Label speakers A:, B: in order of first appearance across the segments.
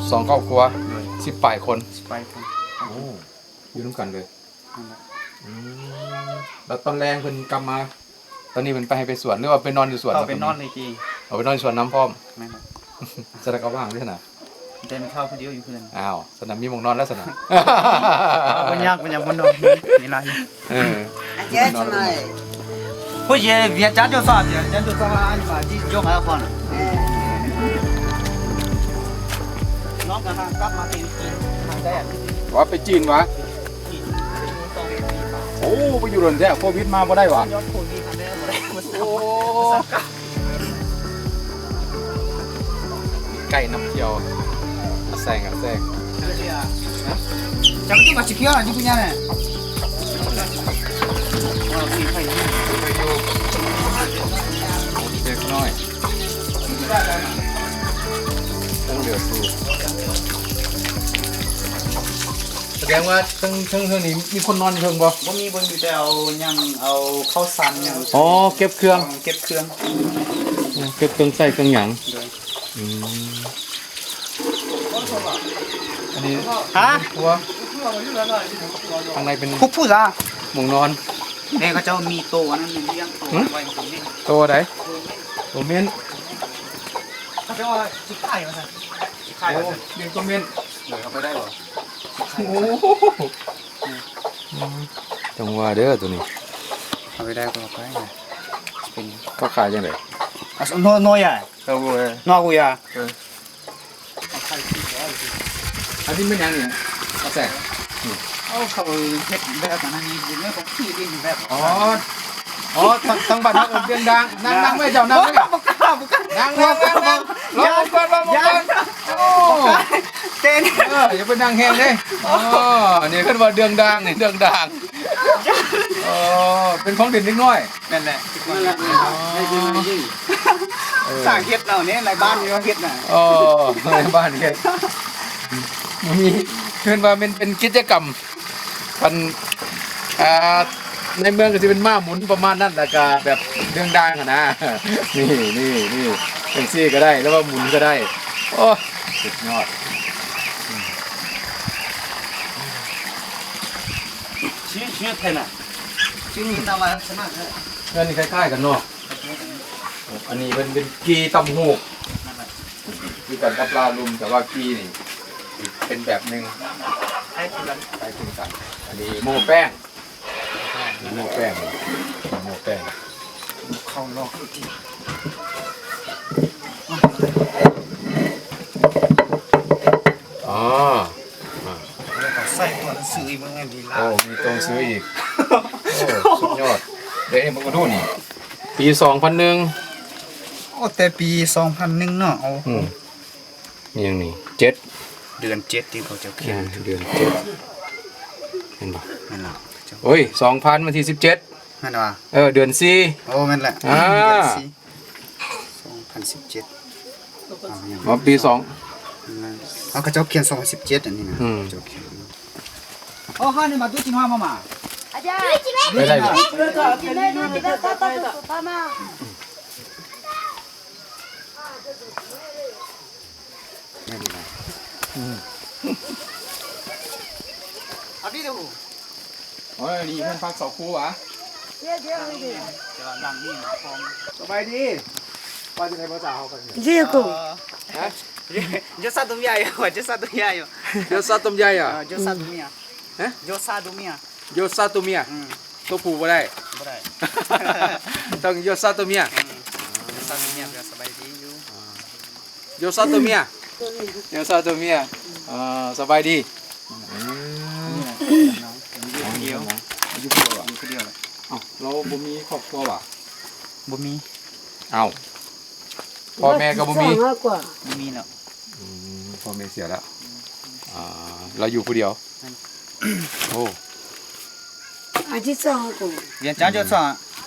A: 2ครอบครัว10ปลายคน
B: ไปคน
A: โอ้อยู่ร่วมกันเลยแล้วตอนแรงเพิ่นกลับมา ตอนนี้เพิ่นไปให้ไปสวนหรือว่าไปนอนอยู่สวน
B: เข้าไปนอนในจี
A: เอาไปนอนสวนน้ำพร้อม
B: แม่น
A: สนามก็ว่างด้วยนะ
B: เดินเข้าคนเดียวอยู่เพื่อน
A: อ้าวสนามมีหมองนอนแล้วสนาม
B: มันยากบนนอนนี่ไร
C: chết này
B: ผู้ชายเวียนจันทร์จะสอบเวียนจันทร์จะสอบอันนี้มาที่ยกหาคนน้องกันกลับมาตีจีนทางได้อ่ะ
A: ว่าไปจีนวะโอ้ไปอยู่หล่นแท้โควิดมาบ่ได้วะ
B: ยอดโควิดทางได้บ่ได้มา
A: โอ้ไก่น้ำเที่ยวแซงแซง
B: จังที่มาชิคกี้พายที่punya nihมีใครอยู่
A: เล็กน้อยต้องเหลือสู้แสดงว่าเชิงนี้มีคนนอนเชิงบ่
B: บ่มีอยู่แต่เอายังเอาข้าวสารยัง
A: อ๋อเก็บเครื่อง
B: เก็บเครื่อง
A: เก็บเครื่องใส่เครื่องหยังอันนี้
B: ฮะ
A: ครัวข้างในเป็น
B: ผู้จ้า
A: หมองนอน
B: เนี่ยเขาเจ้ามีโตอันนั้นเลี้ยงโตไว้ตรงนี้
A: ตัวไหนตัวเมียน
B: เขาเจ้าว่าสิไข่มาซั่นสิไข่
A: โอ้
B: มาซั่น
A: เลี้ยงตัวเมียน
B: เดี๋ยวเอาไปได้บ่
A: โอ้จังว่าเด้อตัวนี้
B: เอาไปได้ก็เอาไปเป็น
A: เขาขายจังได๋
B: อ่ะน้อยอ่ะ
A: เขาบ่
B: น้อยกูอ่ะ
A: อันนี้เป็นหยังนี่กาแฟ
B: เอาเขาเฮ็ดแบบนั้นนี่เป็นเรื่องของพี่เองแบบ
A: อ๋อทั้งบ้านทั้งเตียงดังนั่งไม่เจ้านั่งไม่
B: บ่กล้า
A: นั่งรอก่อนโอ้
B: เต้น
A: อย่าไปนั่งแห้งเด้อ๋อนี่ขึ้นว่าเดืองดังนี่เดืองดังอ๋อเป็นของเด่นนิดน้อย
B: นั่นแหละ
C: ไม่จริงไม่จริง
B: สร้างเฮ็ดเราเนี่ยในบ้านมีว่าเฮ็ดน่ะ
A: อ๋อในบ้านเฮ็ดมีขึ้นว่าเป็นกิจกรรมพันในเมืองก็จะเป็นม้าหมุนประมาณนั้นแหละก็แบบเรื่องดังอะนะนี่เป็นซี่ก็ได้แล้วว่าหมุนก็ได้โอ้สุดยอด
B: ชื่อเท่น่ะชื่อตาว่าสมัคร
A: เพื่อนนี่คล้ายๆกันเนาะอันนี้เป็นกีตำหูกคือกันกับลาลุมแต่ว่ากีนี่เป็นแบบหนึ่ง
B: ให้คุณกัน
A: คล้ายคลึงกันอันนี้โม่แป้งโม่แป้ง
B: เข้าลอก
A: อ๋อ
B: ใส่ตัวหนังสือมันไงดีล่ะ
A: โอ้มีตรงซื้ออีกโอ้สุดยอดเดี๋ยวมึงมาดูนี่ปี2001
B: โอ้แต่ปี2001เนาะเอา
A: นี่ยังนี่7
B: เดือน7ที่เขาจะเขียน
A: เดือน7เห็นปะ
B: นั่นล่ะ
A: โอ้ย2000วันที่17
B: นั่นว่า
A: เดือน4
B: โอ้แม่นแหละ
A: อ่า
B: 2017
A: มาปี2
B: เอาเขาเจ้าเขียน2017อันนี้นะเจ้าเขียนอ๋อฮะนี่มาดูจินฮามามา
C: aja
A: ไม่ได้บ่
C: tidak pertama
B: อันนี้ดู
A: โอ้ยนี่เพิ่นพัก2คู่หวะ
C: dia dia ini
B: จะดังนี่นะฟอง
A: สบายดีว่าจะได้ภาษาเฮากัน
C: dia aku
A: ฮะ
B: จะซาตุมิยาอยู่จะซาตุมิยาอยู่
A: โยซาตุมใหญ่อ่ะ
B: จะซาตุมิยา
A: ฮะ
B: จะซาตุมิยา
A: โยซาตุเมียตัวผู้บ่ได้
B: บ่ได้
A: ต้องโยซาตุเมีย
B: จะซาตุมิยาสบายดีอยู่
A: โยซาตุเมียโยซาตุเมียสบายดี
B: เดียว
A: อยู่เดียวอ่ะ
B: คนเดียวเลย
A: เอ้าเราบ่มีครอบครัวว่ะ
B: บ่มี
A: เอ้าพ่อแม่ก็บ่มี
C: aqua
B: บ่มีเนาะ
A: พ่อแม่เสียแล้วเราอยู่ผู้เดียวโอ้
C: aja sang aku
B: เรียนจ้าจะสอน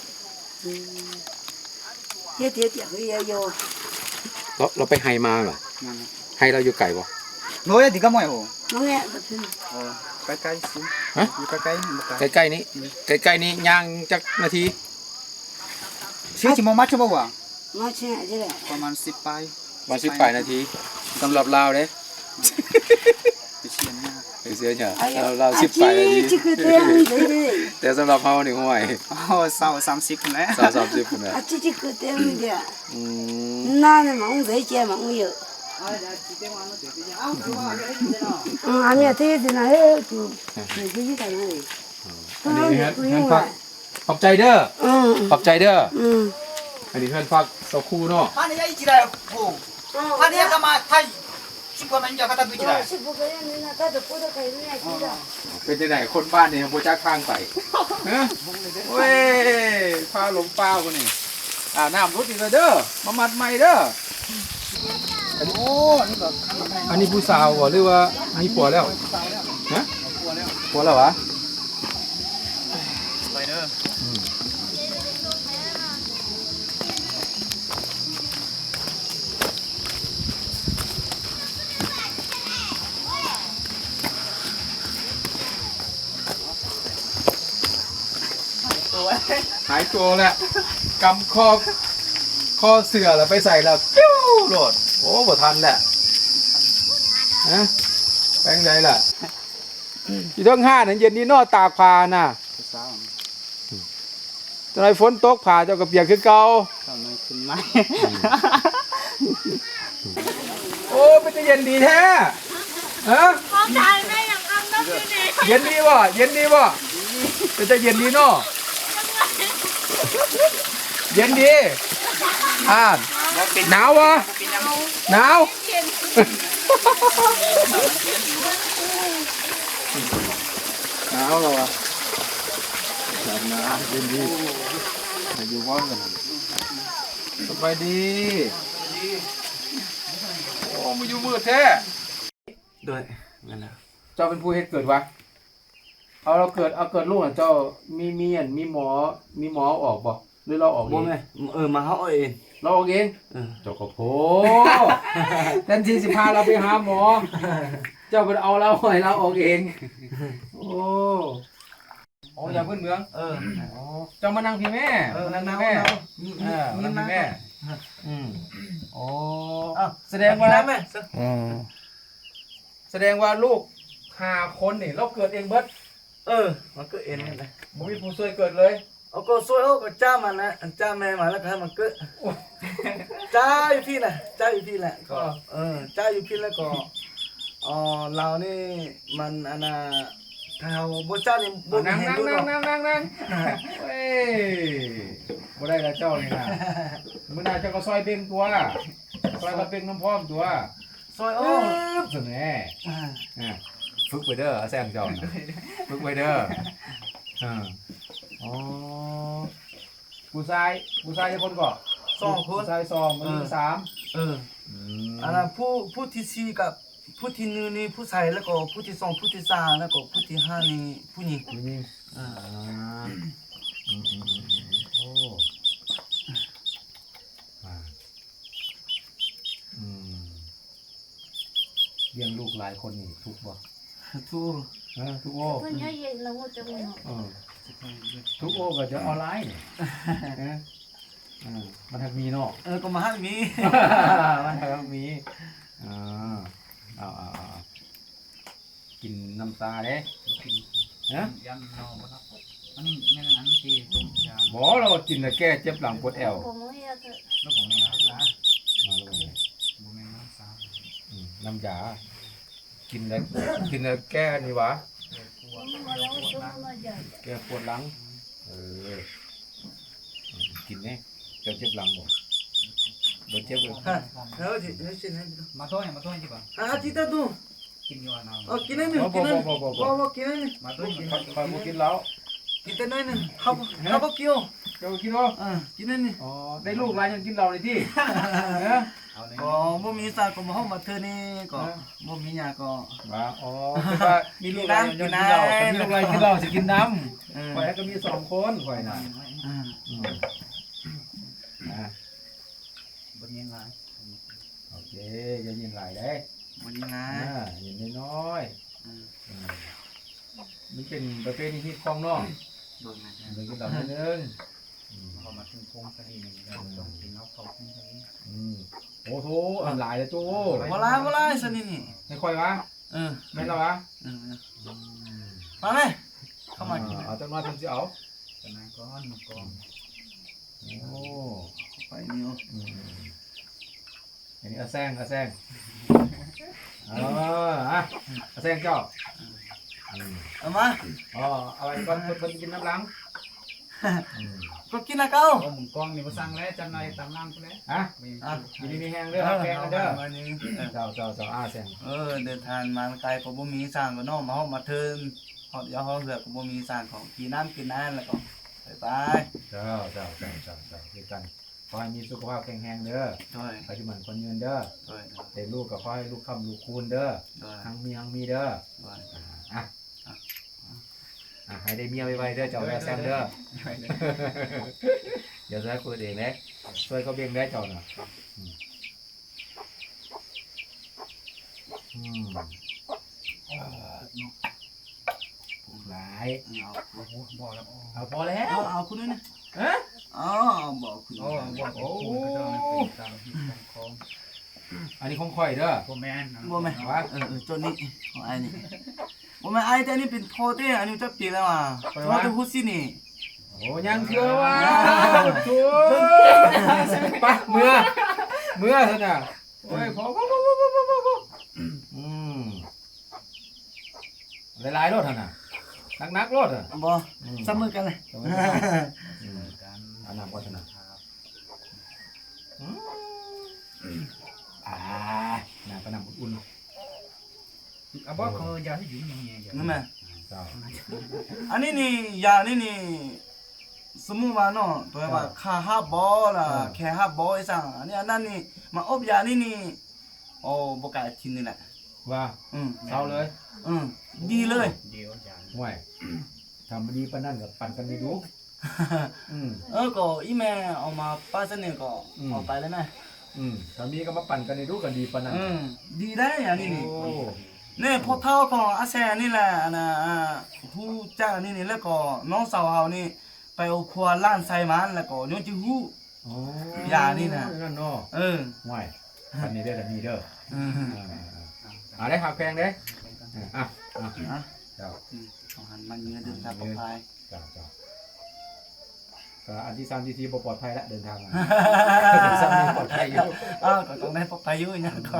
C: dia dia dia dia yo
A: เราไปไฮมาเหรอไฮเราอยู่ไกลบ่
B: โน้ยดีก็ไม่โอ้
C: nongek betul
B: ใกล้ๆสิ
A: ฮะ
B: อยู่ใกล้ๆบ่ไกล
A: ใกล้ๆนี้ใกล้ๆนี้ย่างจักนาที
B: ชื่อจิมมาชบ่วะ
C: macam aja lah
B: ประมาณ10ปลาย
A: วัน18นาทีสำหรับลาวเด้ไปเสียเนี่ย
C: 哎呀，
A: เรา
C: 啊，
A: สิบไปอันนี้
C: 这个这样的嘞，
A: แต่สำหรับเฮานี่ห่วย
B: อ๋อ30แล้ว
A: 30พุ่นน่ะ
C: 啊，这个这样的，
A: อืม
C: 那呢忙在家忙有，俺们这些那些就自己在那里，
A: อันนี้
C: 不
A: เพื่อน
C: 用
A: พัก
C: 了，
A: ขอบใจเด้อ
C: 嗯
A: ขอบใจเด้อ
C: 嗯，
A: อันนี้เพื่อนพักสักครู่เนาะ
B: 他那家一起来不他那家干嘛他尽管人家他不起来
C: 是不可以的，那他都不得可以人家去的。
A: เป็นจังได๋คนบ้านนี่บ่จักทางไปฮะเว้ยพาหลงป่าพุ่นนี่น้ำรถอีกแล้วเด้อมามัดใหม่เด้ออันนี้ผู้สาวบ่หรือว่าอันนี้ผัวแล้วฮะผัวแล้ววะ
B: ไปเด้อ
A: หายตัวแล้วกำคอเสือแล้วไปใส่แล้วปิ้วโหลดโอ้บ่ทันแหละฮะแปลงใดล่ะที่ทั้งห้านั้นเย็นนี้นอตากผ้าน่ะตอนไหนฝนตกผ้าเจ้าก็เปียกคือเก่า
B: ตอนนี้ขึ้นไหม
A: โอ้เป็นจะเย็นดีแท้ฮะ
D: เขาถ่ายแม่อย่างคำต้องดีดี
A: เย็นดีบ่เย็นดีบ่เป็นจะเย็นดีเนาะเย็นดีหนาววะหนาวหนาวเหรอวะหนาวเย็นดีอยู่ว่างกันสบายดีโอ้มาอยู่มืดแท้
B: ด้วยนั่นแหละ
A: เจ้าเป็นผู้เฮ็ดเกิดวะเอาเกิดลูกอ่ะเจ้ามีหมอออกบ่หรือเราออกเอ
E: บ่
A: ง
E: แม่มาเฮาเอาเอง
A: เราออกเอง
E: เออ
A: เจ้าก็โผแทนที่สิพาเราไปหาหมอ เจ้าไปเอาเราให้เราออกเองโอ้อย่าเพิ่นเมือง
E: เออ
A: เจ้ามานั่งพี่แม่
E: นั่น
A: พี่
E: ๆ
A: แม่
E: มี
A: นั่ง
E: มา
A: พี่แม่โอ้
E: อ้าว
A: แสดงว่า
E: แม่
A: แสดงว่าลูก5 คนนี่เราเกิดเองเบิด
E: มันก็เอ็นนั่นแหละ
A: บ่มีผู้ช่วยเกิดเลย
E: เอาก็ช่วยเอาก็จ้ามันนะจ้าแม่มาแล้วก็ให้มันเกิดจ้าอยู่พี่น่ะจ้าอยู่พี่แหละก็จ้าอยู่พี่แล้วก็เรานี่มันอันน่ะถ้าเฮาบ่จ้านี่บ่
A: นั่ง
E: เห็น
A: นั่ง
E: ดู
A: นั่ง
E: เนาะ
A: นั่งนั่งนั่งเฮ้ยบ่ได้ละเจ้านี่นะมื้อหน้าเจ้าก็ซอยเบ่งตัวซอยกระเบ่งน้ำพร้อมตัว
E: ซอย
A: โอ้
E: โอ้
A: สึงแน่ฝึกไปเด้อแซงเจ้าน่ะฝึกไปเด้ออ๋อผู้ชายจะคนก่อน
E: สองคน
A: ผู้ชาย2ผู้หญิง3
E: อันนั้นผู้ที่สี่กับผู้ที่หนึ่งนี่ผู้ชายแล้วก็ผู้ที่สองผู้ที่สามแล้วก็ผู้ที่ห้านี่ผู้หญิง
A: ผู้หญิงโอ้เลี้ยงลูกหลายคนนี่ทุกบ่
E: ทุก
A: ทุกโอ้
D: เพื่อนเยอะแยะเราก็จะไม่หมด
A: ทุกโอ้ก็จะออนไลน์นี่มันทักมีเนาะ
E: ก็มาให้มี
A: มันทักมีเอากินน้ำตาเด้นะ
B: ยันนอนครับอันนี้แม่นั้นที่ต้มยา
A: บ่เรากินแต่แก้เจ็บหลังปวดแอว
D: ผมไม่อยากจะ
B: แล้วผมเนี่ยนะ บุแม่น้ำสาว
A: น้ำยากินแล้วแก้นี่วะ
D: ผมมาแล้วจะมาใหญ่
A: แก้ปวดหลังกินเนี่ยเจ็บหลังบ่เจ็บเลย
B: มาโต้เนี่ยมาโต้ที่ป่ะ
E: Kita tu.
B: กินอยู่อ่ะน้อง
E: Oh, kena ni.
A: Bo, bo,
E: Kena.
A: bo, bo, bo, bo.
E: Bo, kena ni.
B: มาโต้กิน
A: คอยบ่กินแล้ว
E: Kita ni ni. Apa kio?
A: เจ้ากินบ่
E: Kena ni.
A: อ๋อได้ลูกหลายยังกินเหล้าเลยที่
B: เอาเลย
E: Bo mi sa ko mau ma thơ ni ko. Bo mi nya ko.
A: ว่าอ๋อคือว่ามีลูกหลายยังกินเหล้ามีลูกหลายกินเหล้าสิกินน้ำข่อยก็มี2 คนข่อยน่ะ
B: บนยังไง
A: โอเคอย่ายินหลายเด้
E: Bo ni na.
A: ยินน้อยมันเป็นประเภทที่ฮิตของน้อง
B: โดนนะ
A: มันกินเหล้านิดนึง
B: เขาเขามาถึงโค้งสนีนี่เราต้องกินแล้วเขาขึ้นสนี
A: โอ้โหอันหลายเลยจู
E: บ่ลายสนี่นี่
A: ไม่ค่อยวะ
E: เออ
A: ไม่ละวะ
E: มาไหมเข้ามากิน
A: เอาจังน้อยเพิ่นสิเอา
B: ตอนนั้นก้อนมากอง
A: โอ้
E: ไปนิ้ว
A: อันนี้อาแซงอะแซงเจ้า
E: เอามา
A: อ๋อเอาไว้ก่อนเพิ่นกินน้ำล้าง
E: ก็กินนะเก้า
B: ก็หมุนกองนี่มาสั่งแล้วจันหน่อยตามล่างไปแล้ว
A: ฮะ
E: อ่ะ
A: กินมีแห้งเด้อแห้งเด้อ
E: มานี่
A: เจ้าแซง
E: เดินทางมาไกลก็บ่มีสร้างก็น้องมาเฮามาเทินเฮาเดี๋ยวเฮาเสือกก็บ่มีสร้างของกินน้ำแล้วก็ไป
A: เจ้าคือกันขอให้มีสุขภาพแข็งแรงเด้อ
E: ด้วย
A: ปัจจุบันคนยืนเด้อ
E: ด้วย
A: แต่ลูกก็ขอให้ลูกค้ำลูกคูณเด้อ
E: ด้วย
A: ทั้งมีเด้อ
E: ด้วย
A: ให้ได้เมียไวๆเด้อเจ้าแซมเด้อเดี๋ยวจะให้คุยเองนะช่วยเขาเบี่ยงได้เจ้าน่ะหลาย
E: เอา
A: พอแล้ว
E: เอาคุณด้วยนะ
A: ฮะ
E: บอกคุณ
B: โอ้บอกโอ้ก็จะเป็นตามของ
A: อันนี้ของข่อยเด้อ
B: พ่อแม่น
E: บ่แม่จนนี้ของไอ้นี่บ่แม่ไอ้แต่นี่เป็นโทเต้อันนี้จะปีแล้วอ่ะโทเต้ฮุซินี่
A: โอ้ยังเชื่อว่าชัวไปเมื่อเถอะน่ะโอ้ยพอหลายๆรถเถอะน่ะนักรถอ่ะ
E: บ่ซับมือกันเลย
A: อันนั้นก็ชนะน้ำก็น้ำอุ่น
B: อ่ะบอกเขายาที่อยู่ยังไงอย่าง
E: นั่นแหละ
A: เจ้า
E: อันนี้นี่ยานี่นี่สมมุติว่าเนาะตัวว่าค่าฮับบอล่ะแค่ฮับบอไอ้สั่งอันนี้อันนั้นนี่มาอบยานี่นี่โอ้บ่กล้ากินนี่แหละ
A: ว่า
E: เศ
A: เศร้าเลย
E: ดีเลย
B: เดียวจาน
A: ห่วยทำดีปานนั่นกับปั่นกันไม่รู้
E: ก็อีแม่เอามาป้าเสน่ห์ก็เอาไปเลยแม่
A: ทำดีก็มาปั่นกันในรู้กันดีปานนั่น
E: ดีได้อันนี้นี่
A: โอ้
E: นี่พอเท่าของอาแซนี่แหละนะผู้จ้างนี่แล้วก็น้องสาวเฮานี่ไปเอาครัวล้านใส่มันแล้วก็ย้อนจิฮู้ ยานี่น่ะ
A: นั่นเนาะ ห่วยปั่นนี้เด้อแต่นี้เด้อได้หักแพงเด้เจ้า
E: ของหันมันเงินเดินทางปลอดภัย
A: เจ้าก็อันที่3ที่4บ่ปลอดภัยแล้วเดินทางมาสามีปลอดภัยอยู่
E: ก็ต้องได้ปลอดภัยอยู่อย่างนั้นก็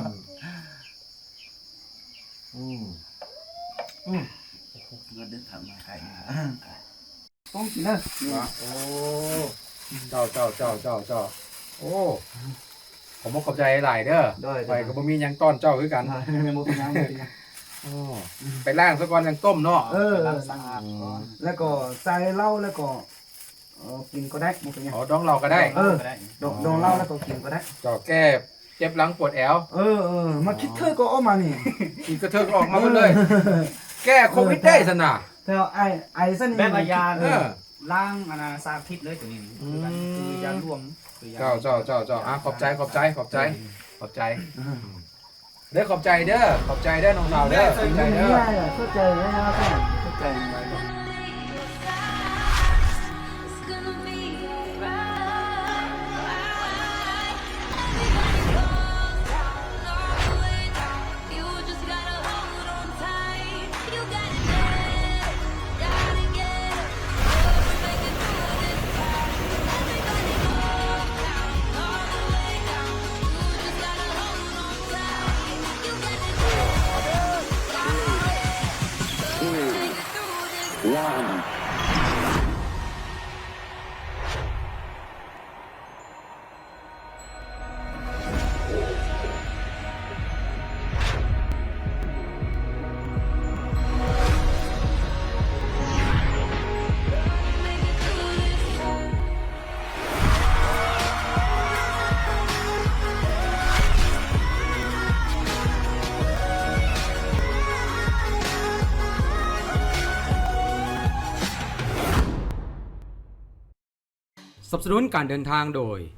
E: เงินเดินทางมาใครต้องกินนะ
A: โอ้เจ้าโอ้ผมขอบใจหลายเด้อไปก็บ่มีหยังต้อนเจ้าคือกัน
E: ไม่หมดยัง
A: ไปล้างซะก่อนยังต้มเนาะ
E: สะอาดแล้วก็ใส่เหล้าแล้วก็กินก็ได้บ่เป็นหยัง
A: อ๋อดองเราก็ได้
E: ดองเหล้าแล้วก็กินก็ได้
A: จ่อแก้เจ็บหลังปวดแอว
E: มาคิดเธอก็ออกมานี่
A: อีกกระเทิงออกมาหมดเลย แก้โควิดได้สนะ
E: แต่ไอ้เส้น
B: แบบยาล้างอันน่ะสารพิษเลยตัวนี้คือยารวม
A: เจ้าขอบใจเด้อขอบใจเด้อน้องสาวเด้อขอบใจเด้อ
E: เข้าใจนะครับเข้าใจ
D: It's gonna be alright. You just gotta hold on tight. You got it, gotta get up. Just make it through this time. Everybody go down, all the way down. You just gotta hold on tight. You got it, take it through this.
A: สนับสนุนการเดินทางโดย